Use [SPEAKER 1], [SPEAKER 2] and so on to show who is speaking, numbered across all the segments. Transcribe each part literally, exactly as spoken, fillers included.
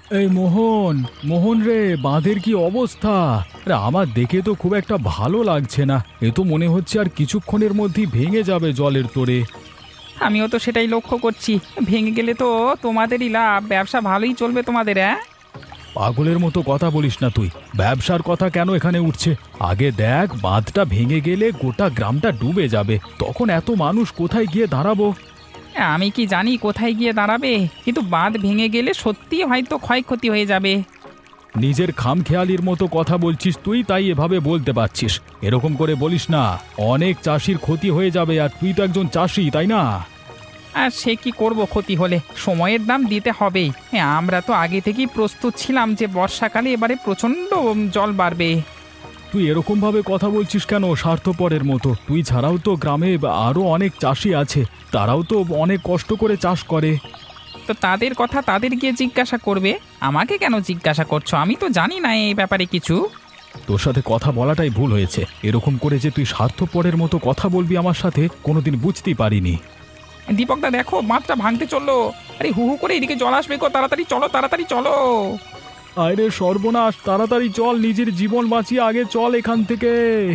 [SPEAKER 1] এই মোহন, মোহন রে, বাঁধের কি অবস্থা? আরে আমার দেখে তো খুব একটা ভালো লাগছে না। এ তো মনে হচ্ছে আর কিছুক্ষণের মধ্যেই ভেঙে যাবে জলের তোড়ে।
[SPEAKER 2] আমিও তো সেটাই লক্ষ্য করছি। ভেঙে গেলে তো তোমাদেরই লাভ, ব্যবসা ভালোই চলবে তোমাদের। হ্যাঁ,
[SPEAKER 1] পাগলের মতো কথা বলিস না তুই। ব্যবসার কথা কেন এখানে উঠছে? আগে দেখ, বাঁধটা ভেঙে গেলে গোটা গ্রামটা ডুবে যাবে, তখন এত মানুষ কোথায় গিয়ে দাঁড়াবো?
[SPEAKER 2] আমি কি জানি কোথায় গিয়ে দাঁড়াবে, কিন্তু বাঁধ ভেঙে গেলে সত্যি হয়তো ক্ষয়ক্ষতি হয়ে যাবে।
[SPEAKER 1] নিজের খামখেয়ালির মতো কথা বলছিস তুই, তাই এভাবে বলতে পারছিস। এরকম করে বলিস না, অনেক চাষির ক্ষতি হয়ে যাবে, আর তুই তো একজন চাষি, তাই না?
[SPEAKER 2] আর সে কি করব, ক্ষতি হলে সময়ের দাম দিতে হবেই। হ্যাঁ, আমরা তো আগে থেকেই প্রস্তুত ছিলাম যে বর্ষাকালে এবারে প্রচণ্ড জল বাড়বে।
[SPEAKER 1] তুই এরকম ভাবে কথা বলছিস কেন, স্বার্থপরের মতো? তুই ছাড়াও তো গ্রামে আরো অনেক চাষি আছে, তারাও তো অনেক কষ্ট করে চাষ করে।
[SPEAKER 2] তো তাদের কথা তাদের গিয়ে জিজ্ঞাসা করবে, আমাকে কেন জিজ্ঞাসা করছো? আমি তো জানি না এই ব্যাপারে কিছু।
[SPEAKER 1] তোর সাথে কথা বলাটাই ভুল হয়েছে। এরকম করে যে তুই স্বার্থপরের মতো কথা বলবি আমার সাথে, কোনোদিন বুঝতেই পারিনি।
[SPEAKER 2] দীপকদা দেখো, বাঁধটা ভাঙতে চললো। আরে হু হু করে এদিকে জল আসবে গো, তাড়াতাড়ি চলো, তাড়াতাড়ি চলো।
[SPEAKER 1] আরে সর্বনাশ, তাড়াতাড়ি চল, নিজের জীবন বাঁচিয়ে আগে চল এখান থেকে।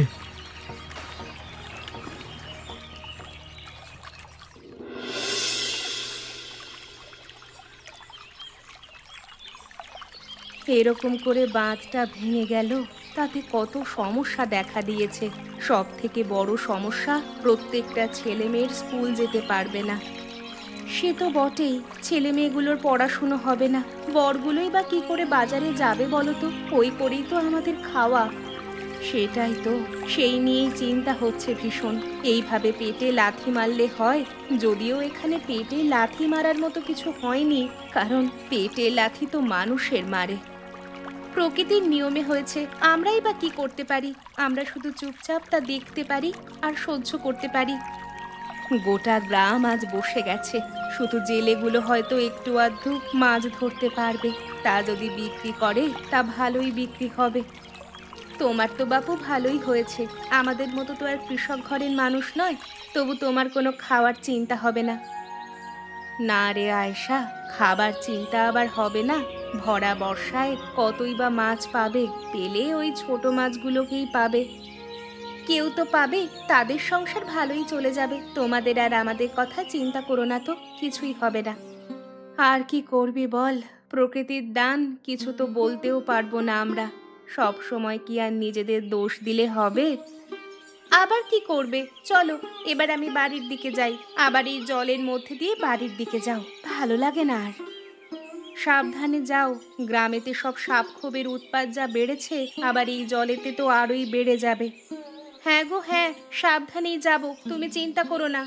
[SPEAKER 3] এরকম করে বাঁধটা ভেঙে গেল, তাতে কত সমস্যা দেখা দিয়েছে। সব থেকে বড় সমস্যা, প্রত্যেকটা ছেলে মেয়ের স্কুল যেতে পারবে না। সে তো বটেই, ছেলে মেয়েগুলোর পড়াশুনো হবে না, বরগুলোই বা কি করে বাজারে যাবে বলো তো? ওই করেই তো আমাদের খাওয়া। সেটাই তো, সেই নিয়েই চিন্তা হচ্ছে ভীষণ। এইভাবে পেটে লাথি মারলে হয়? যদিও এখানে পেটে লাথি মারার মতো কিছু হয়নি, কারণ পেটে লাথি তো মানুষের মারে। প্রকৃতির নিয়মে হয়েছে, আমরাই বা কি করতে পারি? আমরা শুধু চুপচাপ তা দেখতে পারি আর সহ্য করতে পারি। গোটা গ্রাম আজ বসে গেছে, শুধু জেলেগুলো হয়তো একটু আধটু মাছ ধরতে পারবে। তা যদি বিক্রি করে, তা ভালোই বিক্রি হবে। তোমার তো বাপু ভালোই হয়েছে, আমাদের মতো তো আর কৃষক ঘরের মানুষ নয়, তবু তোমার কোনো খাওয়ার চিন্তা হবে না। না রে আয়েশা, খাবার চিন্তা আবার হবে না? ভরা বর্ষায় কতই বা মাছ পাবে, পেলে ওই ছোট মাছগুলোকেই পাবে। কেউ তো পাবে, তাদের সংসার ভালোই চলে যাবে। তোমাদের আর আমাদের কথা চিন্তা করো না তো, কিছুই হবে না। আর কি করবি বল, প্রকৃতির দান, কিছু তো বলতেও পারবো না আমরা। সব সময় কি আর নিজেদের দোষ দিলে হবে? আবার কি করবে? চলো, এবার আমি বাড়ির দিকে যাই। আবার এই জলের মধ্যে দিয়ে বাড়ির দিকে যাও, ভালো লাগে না আর। সাবধানে যাও, গ্রামেতে সব সাপ খোবের উৎপাত যা বেড়েছে, আবার এই জলেতে তো আরোই বেড়ে যাবে। হ্যাঁ গো হ্যাঁ, সাবধানেই যাব, তুমি চিন্তা করো না।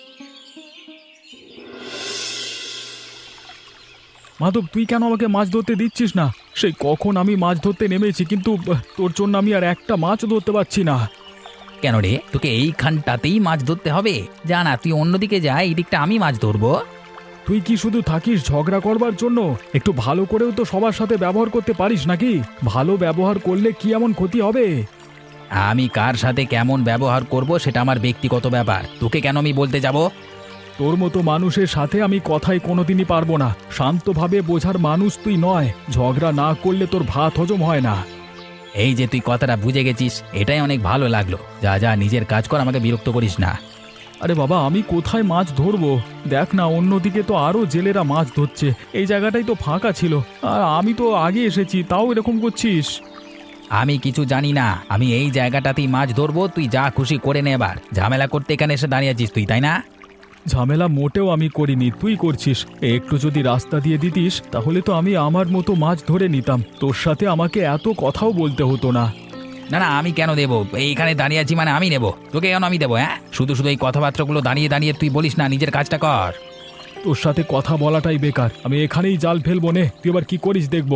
[SPEAKER 1] মাধব, তুই কেন আমাকে মাছ ধরতে দিচ্ছিস না? সেই কখন আমি মাছ ধরতে নেমেছি, কিন্তু আহ, তোর জন্য আমি আর একটা মাছও ধরতে পারছি না।
[SPEAKER 2] কেন রে, তোকে এইখানটাতেই মাছ ধরতে হবে? জানা, তুই অন্যদিকে যা, এই দিকটা আমি মাছ ধরবো।
[SPEAKER 1] তুই কি শুধু থাকিস ঝগড়া করবার জন্য? একটু ভালো করেও তো সবার সাথে ব্যবহার করতে পারিস নাকি? ভালো ব্যবহার করলে কি এমন ক্ষতি হবে?
[SPEAKER 2] আমি কার সাথে কেমন ব্যবহার করব সেটা আমার ব্যক্তিগত ব্যাপার, তোকে কেন আমি বলতে যাব?
[SPEAKER 1] তোর মতো মানুষের সাথে আমি কথাই কোনোদিনই পারবো না। শান্তভাবে বোঝার মানুষ তুই নয়, ঝগড়া না করলে তোর ভাত হজম হয় না।
[SPEAKER 2] এই যে তুই কথাটা বুঝে গেছিস, এটাই অনেক ভালো লাগলো। যা যা, নিজের কাজ কর, আমাকে বিরক্ত করিস না।
[SPEAKER 1] আরে বাবা, আমি কোথায় মাছ ধরবো? দেখ না, অন্যদিকে তো আরো জেলেরা মাছ ধরছে, এই জায়গাটাই তো ফাঁকা ছিল, আর আমি তো আগে এসেছি, তাও এরকম করছিস।
[SPEAKER 2] আমি কিছু জানি না, আমি এই জায়গাটাতেই মাছ ধরবো, তুই যা খুশি করে নে। এবার ঝামেলা করতে এখানে এসে দাঁড়িয়ে আছিস তুই, তাই না?
[SPEAKER 1] ঝামেলা মোটেও আমি করিনি, তুই করছিস। একটু যদি রাস্তা দিয়ে দিতিস, তাহলে তো আমি আমার মতো মাছ ধরে নিতাম, তোর সাথে আমাকে এত কথাও বলতে হতো না।
[SPEAKER 2] না না, আমি কেন দেবো? এইখানে দাঁড়িয়ে আছি মানে আমি নেবো, তোকে কেন আমি দেবো? হ্যাঁ, শুধু শুধু এই কথাবার্তাগুলো দাঁড়িয়ে দাঁড়িয়ে তুই বলিস না, নিজের কাজটা কর।
[SPEAKER 1] তোর সাথে কথা বলাটাই বেকার, আমি এখানেই জাল ফেলবো নে, তুই এবার কি করিস দেখবো।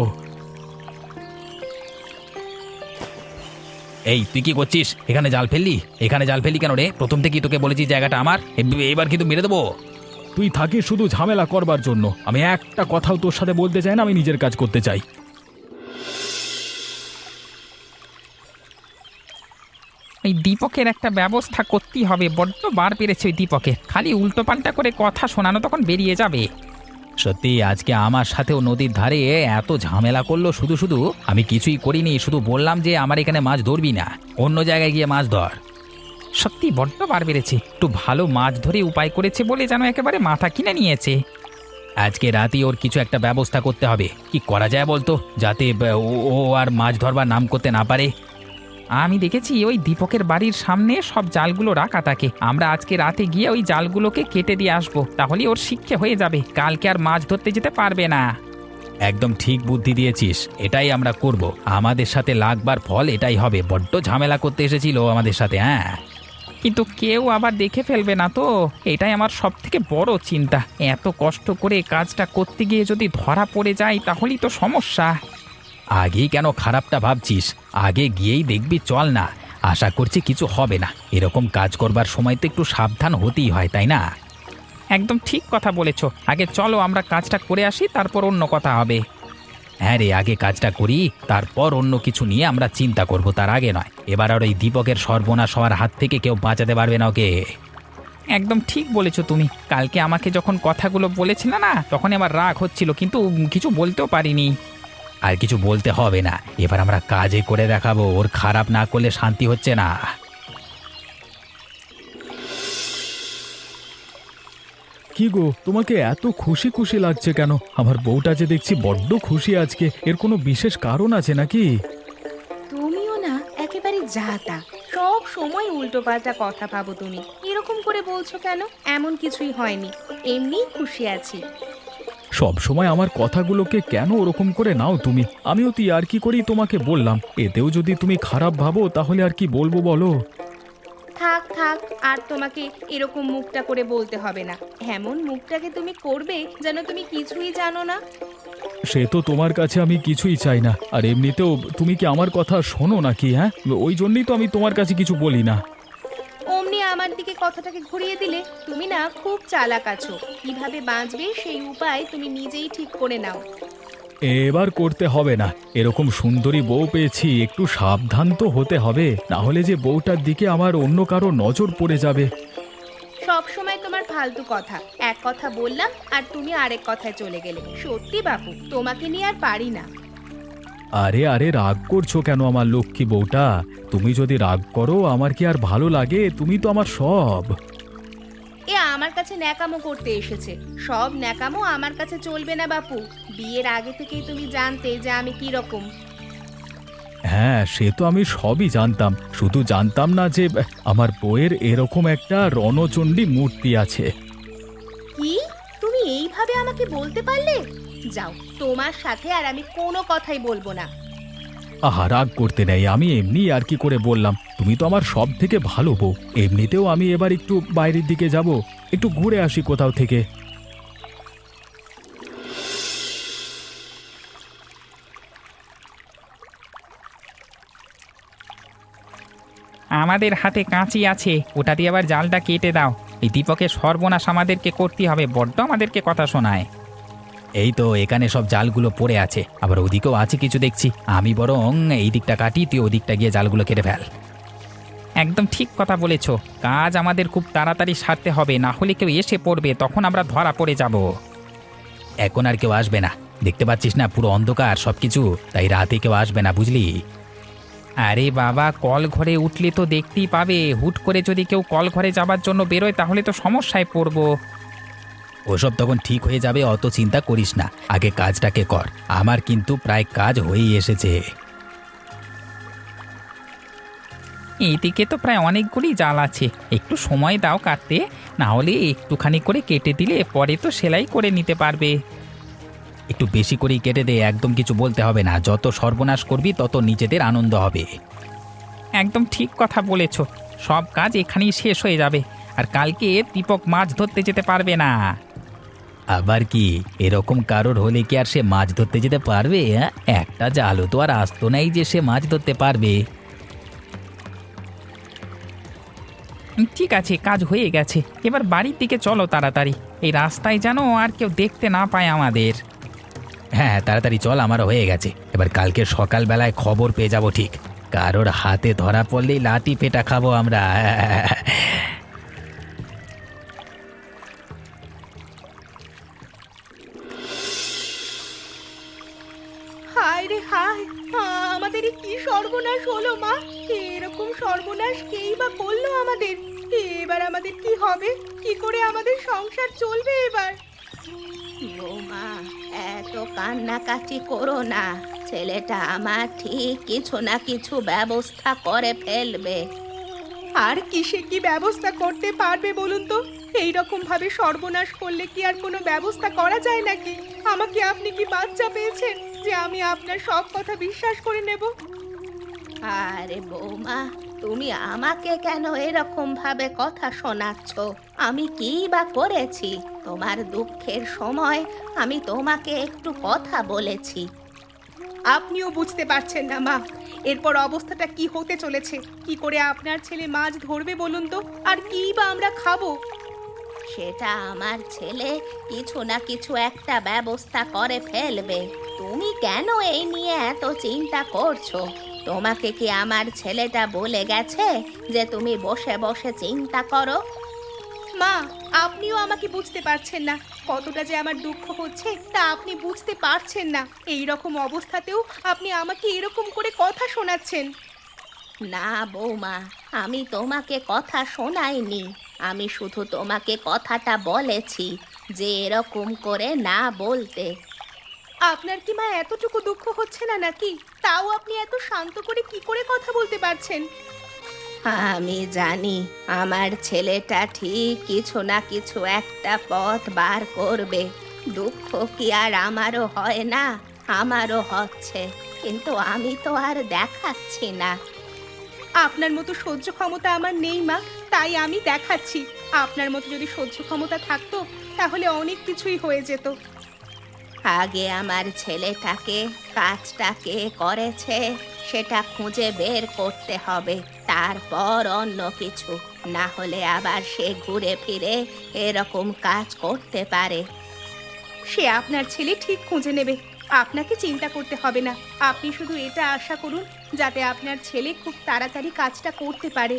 [SPEAKER 2] এই তুই কি করছিস? এখানে জাল ফেললি? এখানে জাল ফেললি কেন রে? প্রথম থেকেই তোকে বলেছি জায়গাটা আমার, এ- এবার কিন্তু মেরে দেবো।
[SPEAKER 1] তুই থাকিস শুধু ঝামেলা করবার জন্য, আমি একটা কথাও তোর সাথে বলতে চাই না, আমি নিজের কাজ করতে চাই।
[SPEAKER 2] এই দীপকের একটা ব্যবস্থা করতেই হবে, বড্ড বার পেরেছে ওই দীপকের, খালি উল্টো পাল্টা করে কথা শোনানো, তখন বেরিয়ে যাবে। সত্যি আজকে আমার সাথেও নদীর ধারে এত ঝামেলা করলো, শুধু শুধু আমি কিছুই করিনি, শুধু বললাম যে আমার এখানে মাছ ধরবি না, অন্য জায়গায় গিয়ে মাছ ধর। সত্যি বড্ড বার বেড়েছে, একটু ভালো মাছ ধরে উপায় করেছে বলে যেন একেবারে মাথা কিনে নিয়েছে। আজকে রাতে ওর কিছু একটা ব্যবস্থা করতে হবে, কি করা যায় বলতো, যাতে ব- ও ও আর মাছ ধরবার নাম করতে না পারে। আমি দেখেছি ওই দীপকের বাড়ির সামনে সব জালগুলো রাখা থাকে, আমরা আজকে রাতে গিয়ে ওই জালগুলোকে কেটে দিয়ে আসবো, তাহলে ওর শিক্ষা হয়ে যাবে, কালকে আর মাছ ধরতে যেতে পারবে না। একদম ঠিক বুদ্ধি দিয়েছিস, এটাই আমরা করব, আমাদের সাথে লাগবার ফল এটাই হবে। বড্ড ঝামেলা করতে এসেছিল আমাদের সাথে। হ্যাঁ, কিন্তু কেউ আবার দেখে ফেলবে না তো, এটাই আমার সব থেকে বড় চিন্তা। এত কষ্ট করে কাজটা করতে গিয়ে যদি ধরা পড়ে যায় তাহলেই তো সমস্যা। আগেই কেন খারাপটা ভাবছিস, আগে গিয়েই দেখবি, চল না, আশা করছি কিছু হবে না। এরকম কাজ করবার সময় তো একটু সাবধান হতেই হয়, তাই না? একদম ঠিক কথা বলেছ, আগে চলো আমরা কাজটা করে আসি, তারপর অন্য কথা হবে। হ্যাঁ রে, আগে কাজটা করি, তারপর অন্য কিছু নিয়ে আমরা চিন্তা করব, তার আগে নয়। এবার আর ওই দীপকের সর্বনাশ হওয়ার হাত থেকে কেউ বাঁচাতে পারবে না ওকে। একদম ঠিক বলেছো তুমি, কালকে আমাকে যখন কথাগুলো বলেছিলে না, তখন আমার রাগ হচ্ছিল, কিন্তু কিছু বলতেও পারিনি। আর কিছু বলতে হবে না, এবার আমরা কাজে করে দেখাবো, ওর খারাপ না করলে শান্তি হচ্ছে না।
[SPEAKER 1] কি গো, তোমাকে এত খুশি খুশি লাগছে কেন? আমার বউটা যে দেখছি বড্ড খুশি আজকে, এর কোনো বিশেষ কারণ আছে নাকি?
[SPEAKER 3] তুমিও না একেবারে যা তা, সব সময় উল্টো পাল্টা কথা ভাবো তুমি। এরকম করে বলছো কেন? এমন কিছুই হয়নি, এমনিই খুশি আছি।
[SPEAKER 1] সব সময় আমার কথাগুলোকে কেন ওরকম করে নাও তুমি? আমিও তুই আর কি করি তোমাকে বললাম, এতেও যদি তুমি খারাপ ভাবো তাহলে আর কি বলবো বলো?
[SPEAKER 3] থাক থাক, আর তোমাকে এরকম মুখটা করে বলতে হবে না। এমন মুখটাকে তুমি করবে যেন তুমি কিছুই জানো না।
[SPEAKER 1] সে তো তোমার কাছে আমি কিছুই চাই না, আর এমনিতেও তুমি কি আমার কথা শোনো নাকি? হ্যাঁ, ওই জন্যই তো আমি তোমার কাছে কিছু বলি না।
[SPEAKER 3] অমনি আমার দিকে কথাটাকে ঘুরিয়ে দিলে। তুমি না খুব চালাক আছো, কিভাবে বাঁচবে সেই উপায় তুমি নিজেই ঠিক করে নাও।
[SPEAKER 1] এবার করতে হবে না, এরকম সুন্দরী বউ পেয়েছি, একটু সাবধান তো হতে হবে, না হলে যে বউটার দিকে আমার অন্য কারো নজর পড়ে যাবে।
[SPEAKER 3] সব সময় তোমার ফালতু কথা, এক কথা বললাম আর তুমি আরেক কথায় চলে গেলে। সত্যি বাপু, তোমাকে নিয়ে আর পারি না।
[SPEAKER 1] আরে আরে, রাগ করছো কেন আমার লক্ষ্মী বউটা? তুমি যদি রাগ করো আমার কি আর ভালো লাগে? তুমি তো আমার সব।
[SPEAKER 3] এ আমার কাছে ন্যাকামো করতে এসেছে, সব ন্যাকামো আমার কাছে চলবে না বাপু। বিয়ের আগে থেকেই তুমি জানতে যে আমি কি রকম।
[SPEAKER 1] হ্যাঁ, সে তো আমি সবই জানতাম, শুধু জানতাম না যে আমার বউয়ের এরকম একটা রণচণ্ডী মূর্তি আছে।
[SPEAKER 3] কি? তুমি এইভাবে আমাকে বলতে পারলে? যাও, তোমার সাথে আর আমি কোনো কথাই বলবো না।
[SPEAKER 1] আহা, রাগ করতে নেই, আমি এমনি আর কি করে বললাম, তুমি তো আমার সব থেকে ভালো বউ। এমনিতেও আমি এবার একটু বাইরের দিকে যাব, একটু ঘুরে আসি কোথাও থেকে।
[SPEAKER 2] আমাদের হাতে কাঁচি আছে, ওটা দিয়ে আবার জালটা কেটে দাও। এই দীপকের সর্বনাশ আমাদেরকে করতে হবে, বড্ড আমাদেরকে কথা শোনায়। এই তো এখানে সব জালগুলো পড়ে আছে, আবার ওদিকেও আছে কিছু দেখছি। আমি বরং এই দিকটা কাটি, তুই ওদিকটা গিয়ে জালগুলো কেটে ফেল। একদম ঠিক কথা বলেছ, কাজ আমাদের খুব তাড়াতাড়ি সারতে হবে, না হলে কেউ এসে পড়বে, তখন আমরা ধরা পড়ে যাব। এখন আর কেউ আসবে না, দেখতে পাচ্ছিস না পুরো অন্ধকার সবকিছু, তাই রাতে কেউ আসবে না, বুঝলি? আরে বাবা, কল ঘরে উঠলে তো দেখতেই পাবে, হুট করে যদি কেউ কল ঘরে যাবার জন্য বেরোয় তাহলে তো সমস্যায় পড়ব। ওসব তখন ঠিক হয়ে যাবে, অত চিন্তা করিস না, আগে কাজটাকে কর। আমার কিন্তু প্রায় কাজ হয়েই এসেছে। এইদিকে তো প্রায় অনেকগুলি জাল আছে, একটু সময় দাও কাটতে, না হলে একটুখানি করে কেটে দিলে পরে তো সেলাই করে নিতে পারবে। একটু বেশি করেই কেটে দে, একদম কিছু বলতে হবে না, যত সর্বনাশ করবি তত নিজেদের আনন্দ হবে। একদম ঠিক কথা বলেছ, সব কাজ এখানেই শেষ হয়ে যাবে, আর কালকে দীপক মাছ ধরতে যেতে পারবে না। আবার কি, এরকম কারোর হলে কি আর সে মাছ ধরতে যেতে পারবে? হ্যাঁ, একটা জালও তো আর আসতো নাই যে সে মাছ ধরতে পারবে। ঠিক আছে, কাজ হয়ে গেছে, এবার বাড়ির দিকে চলো তাড়াতাড়ি, এই রাস্তায় যেন আর কেউ দেখতে না পায় আমাদের। হ্যাঁ, তাড়াতাড়ি চল, আমারও হয়ে গেছে, এবার কালকে সকালবেলায় খবর পেয়ে যাব ঠিক, কারোর হাতে ধরা পড়লেই লাঠি পেটা খাবো আমরা।
[SPEAKER 3] আমাদের? এবার আমাদের কি হবে? কি করে আমাদের সংসার চলবে এবার? বৌমা, এত কান্নাকাটি করো না। ছেলেটা আমার ঠিক কিছু না কিছু ব্যবস্থা করে ফেলবে। আর কিসে কি ব্যবস্থা করতে পারবে বলুন তো? এই রকম ভাবে সর্বনাশ করলে কি আর কোনো ব্যবস্থা করা যায় নাকি? আমাকে আপনি কি বাচ্চা পেয়েছেন যে আমি আপনার সব কথা বিশ্বাস করে নেব? আরে বৌমা, তুমি আমাকে কেন এরকম ভাবে কথা শোনাচ্ছ? আমি কি বা করেছি? তোমার দুঃখের সময় আমি তোমাকে একটু কথা বলেছি। আপনিও বুঝতে পারছেন না মা, এরপর অবস্থাটা কি হতে চলেছে? কি করে আপনার ছেলে মাছ ধরবে বলুন তো? আর কি বা আমরা খাবো? সেটা আমার ছেলে কিছু না কিছু একটা ব্যবস্থা করে ফেলবে। তুমি কেন এই নিয়ে এত চিন্তা করছো? তোমাকে কি আমার ছেলেটা বলে গেছে যে তুমি বসে বসে চিন্তা করো? মা, আপনিও আমাকে বুঝতে পারছেন না। কতটা যে আমার দুঃখ হচ্ছে তা আপনি বুঝতে পারছেন না। এই রকম অবস্থাতেও আপনি আমাকে এরকম করে কথা শোনাচ্ছেন। না বৌমা, আমি তোমাকে কথা শোনাইনি। আমি শুধু তোমাকে কথাটা বলেছি যে এরকম করে না বলতে। আপনার কি মা এতটুকু দুঃখ হচ্ছে না নাকি? তাও আপনি এত শান্ত করে কি করে কথা বলতে পারছেন? আমি জানি আমার ছেলেটা ঠিক কিছু না কিছু একটা পথ বার করবে। দুঃখ কি আর আমারও হয় না? আমারও হচ্ছে, কিন্তু আমি তো আর দেখাচ্ছি না। আপনার মতো সহ্য ক্ষমতা আমার নেই মা, তাই আমি দেখাচ্ছি। আপনার মতো যদি সহ্য ক্ষমতা থাকতো তাহলে অনেক কিছুই হয়ে যেত। আগে আমার ছেলেটাকে কাজটা কে করেছে সেটা খুঁজে বের করতে হবে, তারপর অন্য কিছু। না হলে আবার সে ঘুরে ফিরে এরকম কাজ করতে পারে। সে আপনার ছেলে ঠিক খুঁজে নেবে, আপনাকে চিন্তা করতে হবে না। আপনি শুধু এটা আশা করুন যাতে আপনার ছেলে খুব তাড়াতাড়ি কাজটা করতে পারে।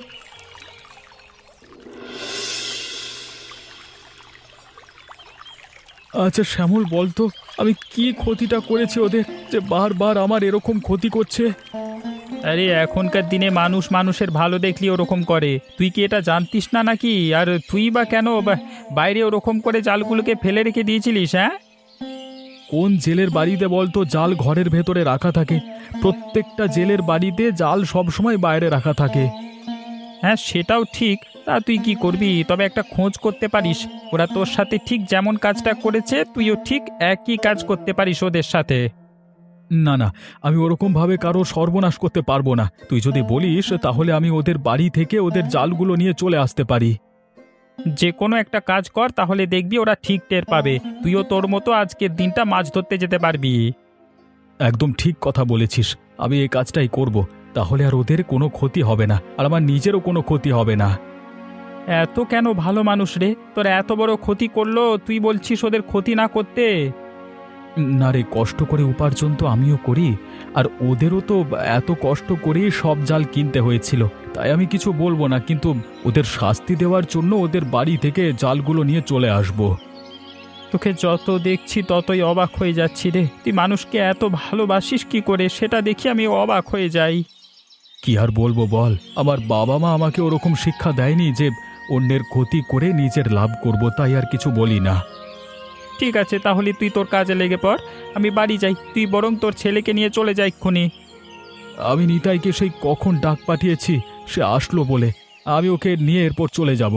[SPEAKER 1] আচ্ছা শ্যামল, বলতো আমি কি ক্ষতিটা করেছি ওদের যে বারবার আমার এরকম ক্ষতি করছে?
[SPEAKER 2] আরে এখনকার দিনে মানুষ মানুষের ভালো দেখলি ওরকম করে, তুই কি এটা জানতিস না নাকি? আর তুই বা কেন বা- বাইরে ওরকম করে জালগুলোকে ফেলে রেখে দিয়েছিলিস? হ্যাঁ,
[SPEAKER 1] কোন জেলের বাড়িতে বলতো জাল ঘরের ভেতরে রাখা থাকে? প্রত্যেকটা জেলের বাড়িতে জাল সবসময় বাইরে রাখা থাকে।
[SPEAKER 2] হ্যাঁ সেটাও ঠিক। তা তুই কি করবি? তবে একটা খোঁজ করতে পারিস, ওরা তোর সাথে ঠিক যেমন কাজটা করেছে তুইও ঠিক একই কাজ করতে পারিস ওদের সাথে।
[SPEAKER 1] না না, আমি ওরকম ভাবে কারো সর্বনাশ করতে পারবো না। তুই যদি বলিস তাহলে আমি ওদের বাড়ি থেকে ওদের জালগুলো নিয়ে চলে আসতে পারি।
[SPEAKER 2] যে কোনো একটা কাজ কর, তাহলে দেখবি ওরা ঠিক টের পাবে। তুইও তোর মতো আজকের দিনটা মাছ ধরতে যেতে পারবি।
[SPEAKER 1] একদম ঠিক কথা বলেছিস, আমি এই কাজটাই করব। তাহলে আর ওদের কোনো ক্ষতি হবে না, আর আমার নিজেরও কোনো ক্ষতি হবে না।
[SPEAKER 2] এত কেন ভালো মানুষ রে, তোর এত বড় ক্ষতি করলো, তুই বলছিস ওদের ক্ষতি না করতে?
[SPEAKER 1] না রে, কষ্ট করে উপার্জন তো আমিও করি, আর ওদেরও তো এত কষ্ট করেই সব জাল কিনতে হয়েছিল। তাই আমি কিছু বলবো না, কিন্তু ওদের শাস্তি দেওয়ার জন্য ওদের বাড়ি থেকে জালগুলো নিয়ে চলে আসব।
[SPEAKER 2] তোকে যত দেখছি ততই অবাক হয়ে যাচ্ছি রে। তুই মানুষকে এত ভালোবাসিস কি করে, সেটা দেখি আমি অবাক হয়ে যাই।
[SPEAKER 1] কি আর বলবো বল, আমার বাবা মা আমাকে ওরকম শিক্ষা দেয়নি যে অন্যের ক্ষতি করে নিজের লাভ করব, তাই আর কিছু বলি না।
[SPEAKER 2] ঠিক আছে, তাহলে তুই তোর কাজে লেগে পড়, আমি বাড়ি যাই। তুই বরং তোর ছেলেকে নিয়ে চলে যা এক্ষুনি।
[SPEAKER 1] আমি নিতাইকে সেই কখন ডাক পাঠিয়েছি, সে আসলো বলে। আমি ওকে নিয়ে এরপর চলে যাব।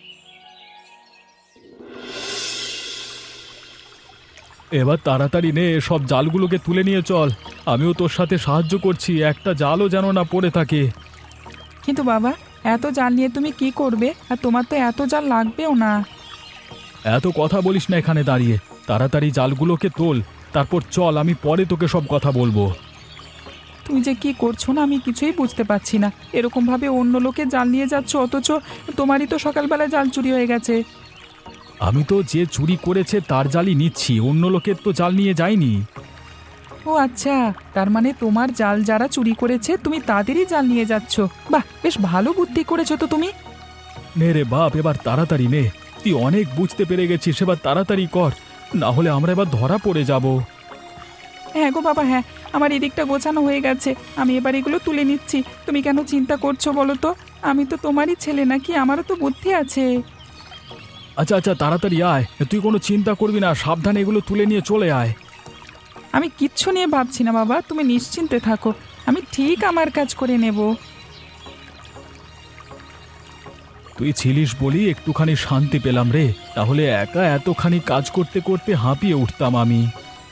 [SPEAKER 1] এবার তাড়াতাড়ি নে, সব জালগুলোকে তুলে নিয়ে চল। আমিও তোর সাথে সাহায্য করছি, একটা জালও যেন না পড়ে থাকে।
[SPEAKER 4] কিন্তু বাবা, এত জাল নিয়ে তুমি কি করবে? আর তোমার তো এত জাল লাগবেও না।
[SPEAKER 1] এত কথা বলিস না এখানে দাঁড়িয়ে, তাড়াতাড়ি জালগুলোকে তোল, তারপর চল, আমি পরে তোকে সব কথা বলবো।
[SPEAKER 4] তুমি যে কি করছো না আমি কিছুই বুঝতে পারছি না। এরকম ভাবে অন্য লোকে জাল নিয়ে যাচ্ছ, অথচ তোমারই তো সকালবেলা জাল চুরি হয়ে গেছে।
[SPEAKER 1] আমি তো যে চুরি করেছে তার জালই নিচ্ছি, অন্য লোকের তো জাল নিয়ে যাইনি।
[SPEAKER 4] ও আচ্ছা, তার মানে তোমার জাল যারা চুরি করেছে তুমি তাদেরই জাল নিয়ে যাচ্ছ। বাহ, বেশ ভালো বুদ্ধি করেছো তো তুমি।
[SPEAKER 1] নে রে বাপ, এবার তাড়াতাড়ি নে, তুই অনেক বুঝতে পেরে গেছিস, এবার তাড়াতাড়ি কর, না হলে আমরা এবার ধরা পড়ে যাব।
[SPEAKER 4] হ্যাঁ গো বাবা, হ্যাঁ, আমার এদিকটা গোছানো হয়ে গেছে। আমি এবার এগুলো তুলে নিচ্ছি। তুমি কেন চিন্তা করছো বলো তো? আমি তো তোমারই ছেলে নাকি, আমারও তো বুদ্ধি আছে।
[SPEAKER 1] আচ্ছা আচ্ছা, তাড়াতাড়ি আয়, তুই কোনো চিন্তা করবি না, সাবধানে এগুলো তুলে নিয়ে চলে আয়।
[SPEAKER 4] আমি কিচ্ছু নিয়ে ভাবছি না বাবা, তুমি নিশ্চিন্তে থাকো, আমি ঠিক আমার কাজ করে নেব।
[SPEAKER 1] তুই ছিলিস বলি একটুখানি শান্তি পেলাম রে, তাহলে একা এতখানি কাজ করতে করতে হাঁপিয়ে উঠতাম আমি।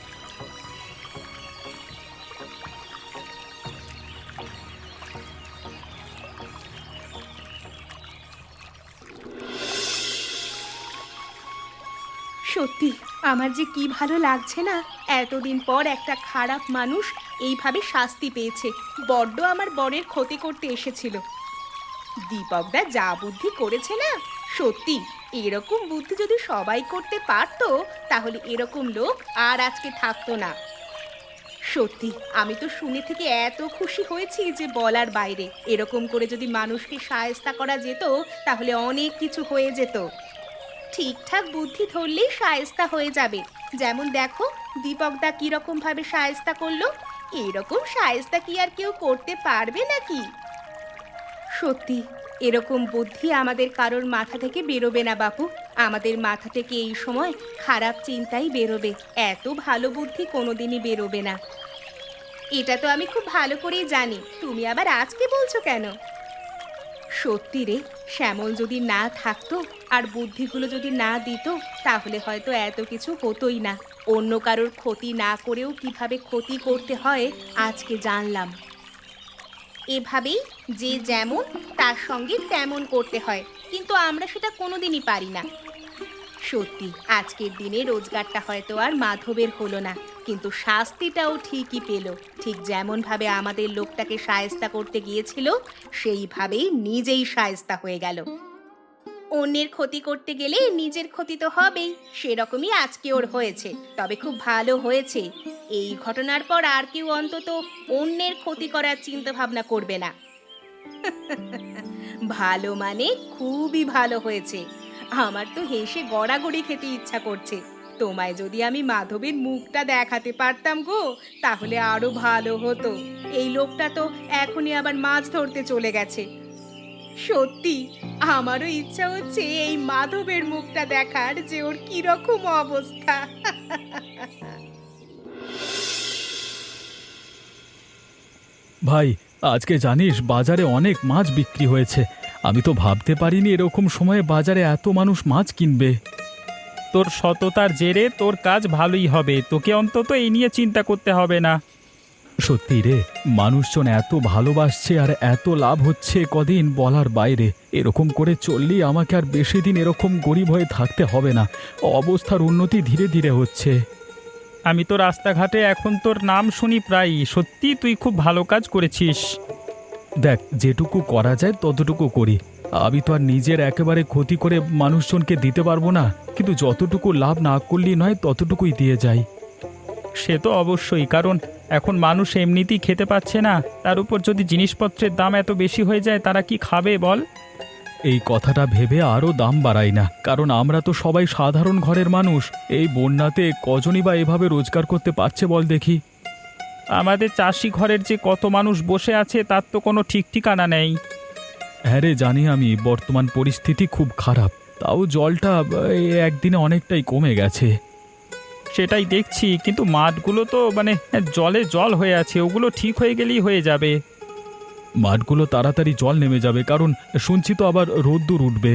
[SPEAKER 3] সত্যি আমার যে কি ভালো লাগছে না, এতদিন পর একটা খারাপ মানুষ এইভাবে শাস্তি পেয়েছে। বড্ড আমার বরের ক্ষতি করতে এসেছিল। দীপকদা যা বুদ্ধি করেছে না, সত্যি এরকম বুদ্ধি যদি সবাই করতে পারতো তাহলে এরকম লোক আর আজকে থাকতো না। সত্যি আমি তো শুনে থেকে এত খুশি হয়েছি যে বলার বাইরে। এরকম করে যদি মানুষকে শায়েস্তা করা যেত তাহলে অনেক কিছু হয়ে যেত। ঠিকঠাক বুদ্ধি ধরলেই শায়েস্তা হয়ে যাবে। যেমন দেখো দীপকদা কিরকম ভাবে শায়েস্তা করলো, এরকম শায়েস্তা কি আর কেউ করতে পারবে নাকি? সত্যি এরকম বুদ্ধি আমাদের কারোর মাথা থেকে বেরোবে না বাপু। আমাদের মাথা থেকে এই সময় খারাপ চিন্তাই বেরোবে, এত ভালো বুদ্ধি কোনোদিনই বেরোবে না। এটা তো আমি খুব ভালো করেই জানি, তুমি আবার আজকে বলছো কেন? সত্যি রে, শ্যামল যদি না থাকতো আর বুদ্ধিগুলো যদি না দিত তাহলে হয়তো এত কিছু হতোই না। অন্য কারোর ক্ষতি না করেও কিভাবে ক্ষতি করতে হয় আজকে জানলাম। এভাবেই যে যেমন তার সঙ্গে তেমন করতে হয়, কিন্তু আমরা সেটা কোনোদিনই পারি না। সত্যি আজকের দিনে রোজগারটা হয়তো আর মাধবের হলো না, কিন্তু শাস্তিটাও ঠিকই পেল। ঠিক যেমন ভাবে আমাদের লোকটাকে শায়েস্তা করতে গিয়েছিল সেইভাবেই নিজেই শায়েস্তা হয়ে গেল। অন্যের ক্ষতি করতে গেলে নিজের ক্ষতি তো হবেই, সেরকমই আজকে ওর হয়েছে। তবে খুব ভালো হয়েছে, এই ঘটনার পর আর কেউ অন্তত অন্যের ক্ষতি করার চিন্তা ভাবনা করবে না। ভালো মানে খুবই ভালো হয়েছে। আমার তো হেসে গড়াগড়ি খেতে ইচ্ছা করছে। তোমায় যদি আমি মাধবের মুখটা দেখাতে পারতাম গো, তাহলে আরো ভালো হতো। এই লোকটা তো এখনই আবার মাছ ধরতে চলে গেছে। সত্যি আমারও ইচ্ছা হচ্ছে এই মাধবের মুখটা দেখার, যে ওর কিরকম অবস্থা।
[SPEAKER 1] ভাই, আজকে জানিস বাজারে অনেক মাছ বিক্রি হয়েছে। আমি তো ভাবতে পারিনি এরকম সময়ে বাজারে এত মানুষ মাছ কিনবে।
[SPEAKER 5] তোর সততার জেরে তোর কাজ ভালোই হবে, তোকে অন্তত এই নিয়ে চিন্তা করতে হবে না।
[SPEAKER 1] সত্যি রে, মানুষজন এত ভালোবাসছে আর এত লাভ হচ্ছে কদিন বলার বাইরে। এরকম করে চললেই আমাকে আর বেশি দিন এরকম গরিব হয়ে থাকতে হবে না। অবস্থার উন্নতি ধীরে ধীরে হচ্ছে।
[SPEAKER 5] আমি তো রাস্তাঘাটে এখন তোর নাম শুনি প্রায়ই। সত্যি তুই খুব ভালো কাজ করেছিস।
[SPEAKER 1] দেখ, যেটুকু করা যায় ততটুকু করি। আমি তো আর নিজের একেবারে ক্ষতি করে মানুষজনকে দিতে পারবো না, কিন্তু যতটুকু লাভ না করলেই নয় ততটুকুই দিয়ে যাই।
[SPEAKER 5] সে তো অবশ্যই, কারণ এখন মানুষ এমনিতেই খেতে পাচ্ছে না, তার উপর যদি জিনিসপত্রের দাম এত বেশি হয়ে যায় তারা কি খাবে বল?
[SPEAKER 1] এই কথাটা ভেবে আরও দাম বাড়াই না, কারণ আমরা তো সবাই সাধারণ ঘরের মানুষ। এই বন্যাতে কজনই বা এভাবে রোজগার করতে পারছে বল দেখি?
[SPEAKER 5] আমাদের চাষি ঘরের যে কত মানুষ বসে আছে তার তো কোনো ঠিক ঠিকানা নেই।
[SPEAKER 1] হ্যাঁ রে, জানি আমি বর্তমান পরিস্থিতি খুব খারাপ, তাও জলটা এই একদিনে অনেকটাই কমে গেছে।
[SPEAKER 5] সেটাই দেখছি, কিন্তু মাঠগুলো তো মানে জলে জল হয়ে আছে, ওগুলো ঠিক হয়ে গেলেই হয়ে যাবে।
[SPEAKER 1] মাঠগুলো তাড়াতাড়ি জল নেমে যাবে, কারণ শুনছি তো আবার রোদ্দুর উঠবে।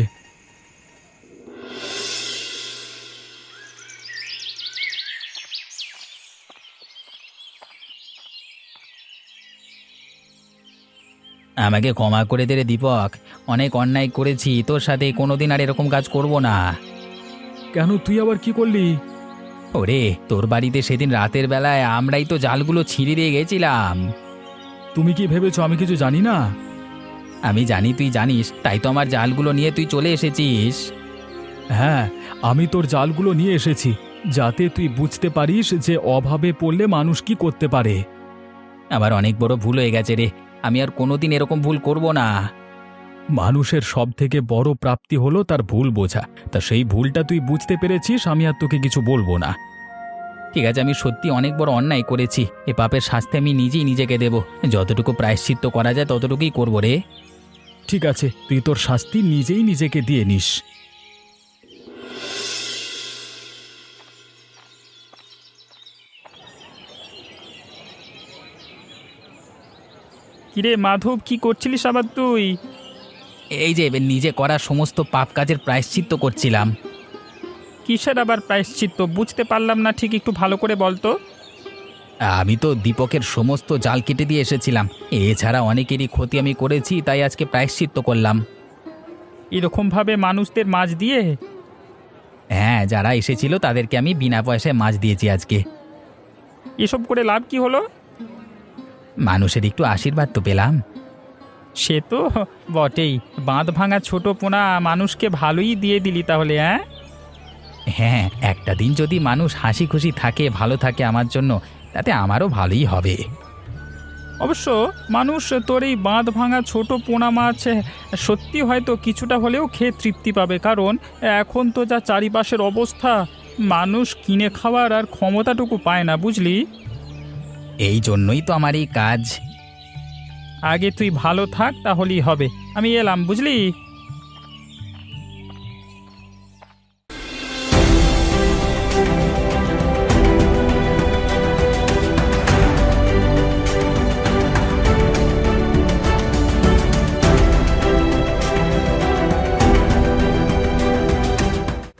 [SPEAKER 2] আমাকে ক্ষমা করে দে রে দীপক, অনেক অন্যায় করেছি তোর সাথে, কোনোদিন আর এরকম কাজ করব না।
[SPEAKER 1] কেন, তুই আবার কি করলি?
[SPEAKER 2] ওরে, তোর বাড়িতে সেদিন রাতের বেলায় আমরাই তো জালগুলো ছিঁড়ে দিয়ে গেছিলাম।
[SPEAKER 1] তুমি কি ভেবেছো আমি কিছু জানি না?
[SPEAKER 2] আমি জানি তুই জানিস, তাই তো আমার জালগুলো নিয়ে তুই চলে এসেছিস।
[SPEAKER 1] হ্যাঁ, আমি তোর জালগুলো নিয়ে এসেছি যাতে তুই বুঝতে পারিস যে অভাবে পড়লে মানুষ কি করতে পারে।
[SPEAKER 2] আমার অনেক বড় ভুল হয়ে গেছে রে, আমি আর কোনোদিন এরকম ভুল করব না।
[SPEAKER 1] মানুষের সব থেকে বড় প্রাপ্তি হলো তার ভুল বোঝা, তা সেই ভুলটা তুই বুঝতে পেরেছিস, আমি আর তোকে কিছু বলবো না।
[SPEAKER 2] ঠিক আছে, আমি সত্যি অনেক বড় অন্যায় করেছি, এ পাপের শাস্তি আমি নিজেই নিজেকে দেব। যতটুকু প্রায়শ্চিত্ত করা যায় ততটুকুই করবো রে।
[SPEAKER 1] ঠিক আছে, তুই তোর শাস্তি নিজেই নিজেকে দিয়ে নিস।
[SPEAKER 5] কিরে মাধব, কি করছিলিস আবার তুই?
[SPEAKER 2] এই যে নিজে করা সমস্ত পাপ কাজের প্রায়শ্চিত্ত করছিলাম।
[SPEAKER 5] কিসের আবার প্রায়শ্চিত্ত বুঝতে পারলাম না ঠিক, একটু ভালো করে বলতো।
[SPEAKER 2] আমি তো দীপকের সমস্ত জাল কেটে দিয়ে এসেছিলাম, এছাড়া অনেকেরই ক্ষতি আমি করেছি, তাই আজকে প্রায়শ্চিত্ত করলাম।
[SPEAKER 5] এরকম ভাবে মানুষদের মাছ দিয়ে?
[SPEAKER 2] হ্যাঁ, যারা এসেছিল তাদেরকে আমি বিনা পয়সায় মাছ দিয়েছি আজকে।
[SPEAKER 5] এসব করে লাভ কি হলো?
[SPEAKER 2] মানুষের একটু আশীর্বাদ তো পেলাম।
[SPEAKER 5] সে তো বটেই, বাঁধ ভাঙা ছোট পোনা মানুষকে ভালোই দিয়ে দিলি তাহলে। হ্যাঁ
[SPEAKER 2] হ্যাঁ, একটা দিন যদি মানুষ হাসি খুশি থাকে, ভালো থাকে আমার জন্য, তাতে আমারও ভালোই হবে।
[SPEAKER 5] অবশ্য মানুষ তোর এই বাঁধ ভাঙা ছোট পোনা মাছ সত্যি হয়তো কিছুটা হলেও খেয়ে তৃপ্তি পাবে, কারণ এখন তো যা চারিপাশের অবস্থা, মানুষ কিনে খাওয়ার আর ক্ষমতাটুকু পায় না, বুঝলি?
[SPEAKER 2] এই জন্যই তো আমার এই কাজ।
[SPEAKER 5] আগে তুই ভালো থাক, তাহলেই হবে। আমি এলাম, বুঝলি?